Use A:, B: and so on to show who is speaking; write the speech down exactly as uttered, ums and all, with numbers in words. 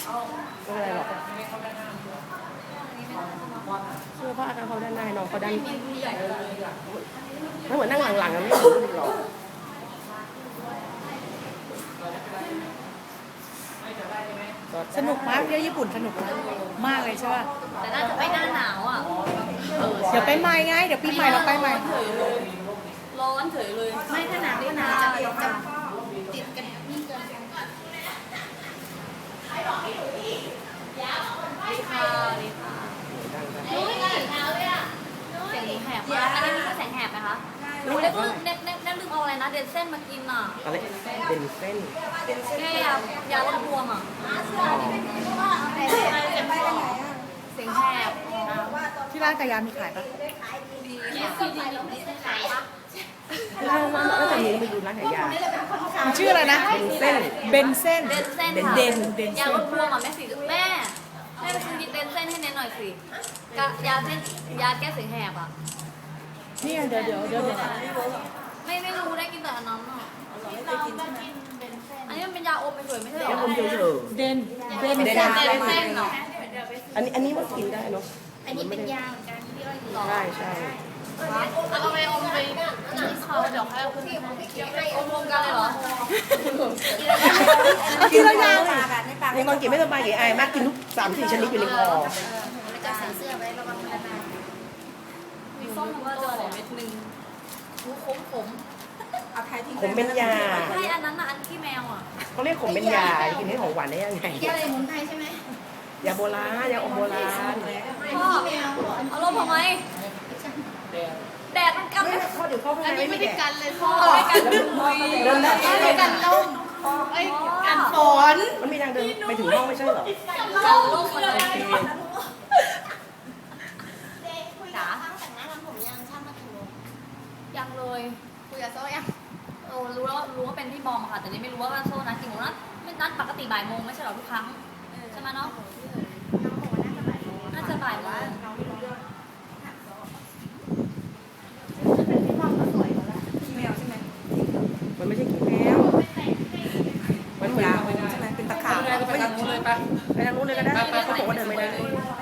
A: ไม่เป็นไรหรอกเสื้อผ้าเขาด้านในน้องเขาด้านถ้าเหมือนนั่งหลังๆอะไม่รู้หรอก
B: สนุกมากเที่ยวญี่ปุ่นสนุกมากเลยใช่ป่ะ
C: แต่น่าจะไปหน้าหนาวอ่ะ
B: เดี๋ยวไปใหม่ไงเดี๋ยวปีใหม่เราไปใหม่
C: ร้อนเฉยเลยไม่ถ้าหนาวก็หนาวจะติดกันนี่เกินดีค่ะดีค่ะรู้ไหมเสียงแหบมากอันนี้มีแสงแหบไหมคะรู้ได้ลืมได้ได้ลืมเอาอะไรนะเดนเส้นมากินอ่ะ
A: อะไรเป็นเส้น
C: แค่ยายาลดบวมอ่ะเสียงแหบ
B: ที่ร้านกายามีขายปะ
C: ยี่สิบดีมีขายปะ
A: ร้านร้านแล้วแต่นี้ไปดูร้านขายยา
B: มันชื่ออะไรนะ
A: เป็นเส้น
B: เบนเส้น
C: เดนเส้นค่ะยาลดบวมอ่ะแม่สิแม่แม่ไปซื้อเดนเส้นให้เน้นหน่อยสิยาเส้นยาแก้เสียงแหบอ่ะ
B: นี่เดี๋ยวเดี๋ยวเดี๋ยว
C: ไม่ไม่รู้ได้กินแต่อันนั้นอ่ะอันนี้มันเป็นยาอมไปเฉยไม่ใช่หรอ
A: แค่อมเฉย
B: ๆเดนเดน
C: เดนเส้นเนาะ
A: อันนี้อันนี้มันกินได้เนาะ
C: อันนี้เป็นยาเหมือนกันที่เราอยู่
A: ใช่ใช่
C: เอาไปอมไปเขาเดี๋ยวให้เอาขึ้นอมรวมกันเลยเหรอ
B: กินแล้วยัง
A: ในบางกินไม่สบายกี่ไอมากกินทุกสามสี่ชนิดอยู่ในคอ
C: แล้วก็ใส่เสื้อไว้ระวังมันนานมีส้มว่าจะขอเม็ดนึงหูขมขม
A: ผมเป็นยา
C: ใช่อันนั้นน่ะอันที่แมวอ่ะ
A: เขาเรียกผมเป็นยากินให้ของหวานได้ยังไง
C: ยาอะไรมุนไพรใช่ไหม
A: ยาโบราณยาอมโบราณ
C: พ่อเอาลมทำไมแดดมันกันเลย
A: พ่อเดี๋ยวพ่อข้างในไม่
C: ได้
A: แดด
C: กันเลยพ่อไม่กันเดินได้ไม่กันลมไอ้กันฝน
A: มันมีทางเดินไปถึงห้องไม่ใช่เหรอ
C: กันลมเลยจ๋าแต่งหน้าทำผมยังช่างมาถึงยังเลยคุยกับโซ่ยังโอ้รู้แล้วรู้ว่าเป็นพี่บอมค่ะแต่นี่ไม่รู้ว่าโซ่นัดกี่โมงนัดไม่นัดปกติบ่ายโมงไม่ใช่หรอทุกครั้งใช่ไหมเนาะน่าจะบ่ายโมง
A: มันไม่ใช่ขี้แมวมันเหมือน
B: ใช่ไหมเป็นตะขาบ
A: ไปทางนู้นเลยปะไปทางนู้นเลยก็ได้เขาบอกว่าเดินไม่ได้